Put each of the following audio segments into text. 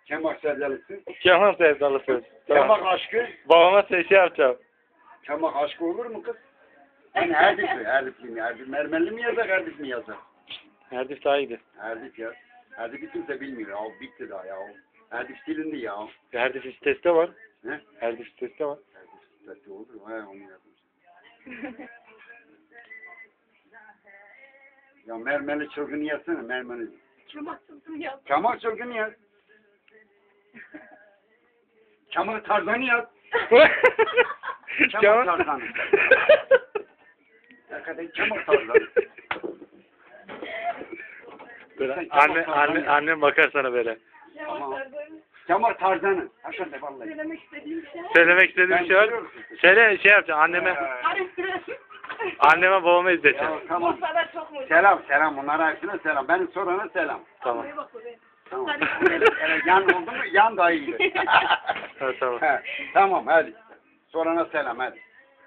Kemal sevdalısı. Kemal sevdalısı. Tamam. Kemal aşkı. Babama şey yapacağım. Kemal aşkı olur mu kız? Yani Erdif mi? Erdif mi? Erdif Mermerli mi yazar, Erdif mi yazar? Erdif daha iyiydi. Erdif ya. Erdif'i kimse bilmiyor ya. Bitti daha ya. Erdif silindi ya. Erdif sitesi de var. Ne? Erdif sitesi de var. Erdif sitesi olur mu? He onu yazmış. Ya mermerli çılgını yazsana. Mermerli. Kemal çılgını yaz. Kemal çılgını yaz. Kemal Tarzan'ı yaz. Kemal Tarzan'ı. Hakikaten Kemal Tarzan'ı. Böyle annem bakar sana böyle. Kemal Tarzan'ı. Hakikaten vallahi. Söylemek istediğim şey. Söylemek istediğim bir şey var. Söyle şey yapacaksın anneme. Anneme babama izleteceksin. Ya, tamam. Sana çok mutlu. Selam. Onlara hepsine selam. Benim sorana selam. Tamam. Tamam. Evet, yan oldu mu? Yan daha iyi. Ha, tamam. Tamam hadi. Sorana selam hadi.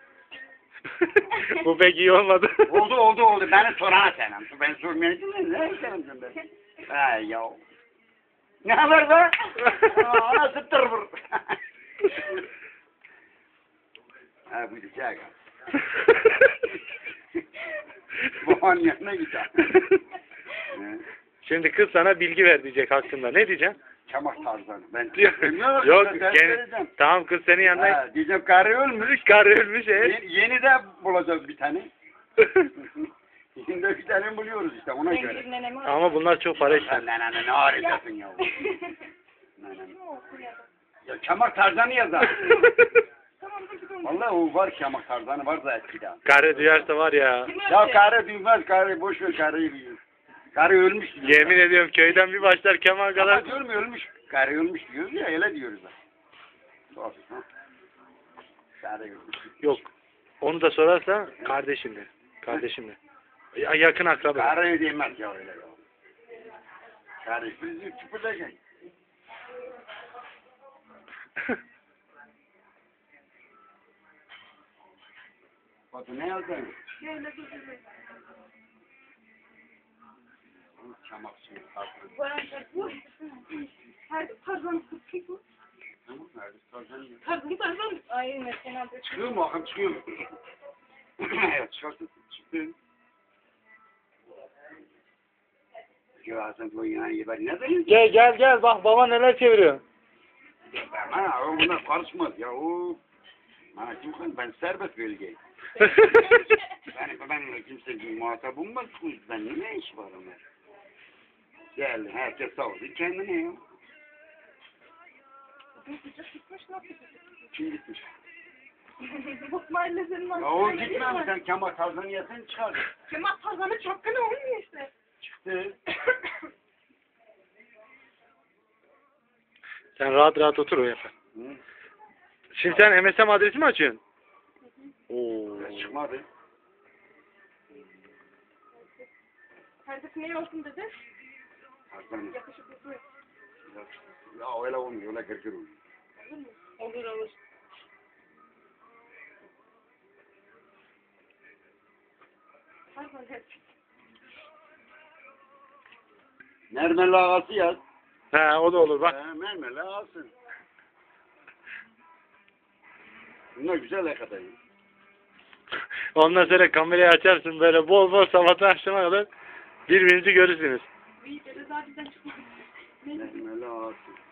Bu pek iyi olmadı. Oldu. Beni sorana selam. Ben sormayacağım. Ne selam ben? Ay ya. Ne haber be? Ana sıktır vur. Ha bu güzel. Babanın yanına gider. Şimdi kız sana bilgi ver diyecek hakkında. Ne diyeceksin? Çamak Tarzan'ı. Ben Yok. Tamam kız senin yanına. Diyeceğim karı ölmüş. Karı ölmüş Yeni de bulacağız bir tane. Yeni de bir tane buluyoruz işte ona göre. Ama bunlar çok para işler. Ne arıyorsun ya? Ya Çamak Tarzan'ı yazar. Vallahi o var Çamak Tarzan'ı var da eskiden. Karı duyarsa var ya. Ya karı duymaz, karı boş ver karıyı biliyor. Karı ölmüş diyor. Yemin ediyorum köyden bir başlar Kemal kadar. Ama diyorum ölmüş. Karı ölmüş diyoruz ya öyle diyoruz da. Karı ölmüş. Yok. Onu da sorarsa kardeşimle. Kardeşimle. Yakın akraba. Karı demez ya öyle ya. Karı bizi çıpıracak. Bakın ne yazdın? Çamak suyu tatlı. Her tarzan sıkıntı. Tamam nerede? Tarzan ya. Tarzan. Ay mesela. Çıkıyor mu? Akım çıkıyor mu? Evet çıktı. Cevazın koyun yani ben ne diyeyim? Gel bak baba neler çeviriyor. Ha o buna karışmaz ya o. Ha kim ben serbest bölgeyim. ben kimse muhatap olmaz bu yüzden ne iş var ona? Gel herkes sağ olsun kendine ya. Kim gitmiş? Bak mahallesinin Ya o gitmem sen Kemal Tarzan'ı yesen çıkar. Kemal Tarzan'ı çapkını olmuyor işte. Çıktı. Sen rahat otur o yapar. Şimdi sen MSM adresi mi açıyorsun? Çıkmadı. Herkes ne olsun dedi? Tarzan'ı. Yakışıklı. Ya öyle olmuyor öyle gırgır oluyor. Olur. Mermerli ağası yaz. He o da olur bak. Mermerli ağası. Bunlar güzel hakikaten. Ondan sonra kamerayı açarsın böyle bol sabahtan akşama kadar birbirinizi görürsünüz. İyi dedi zaten çıkmadı. Mermerli ağası.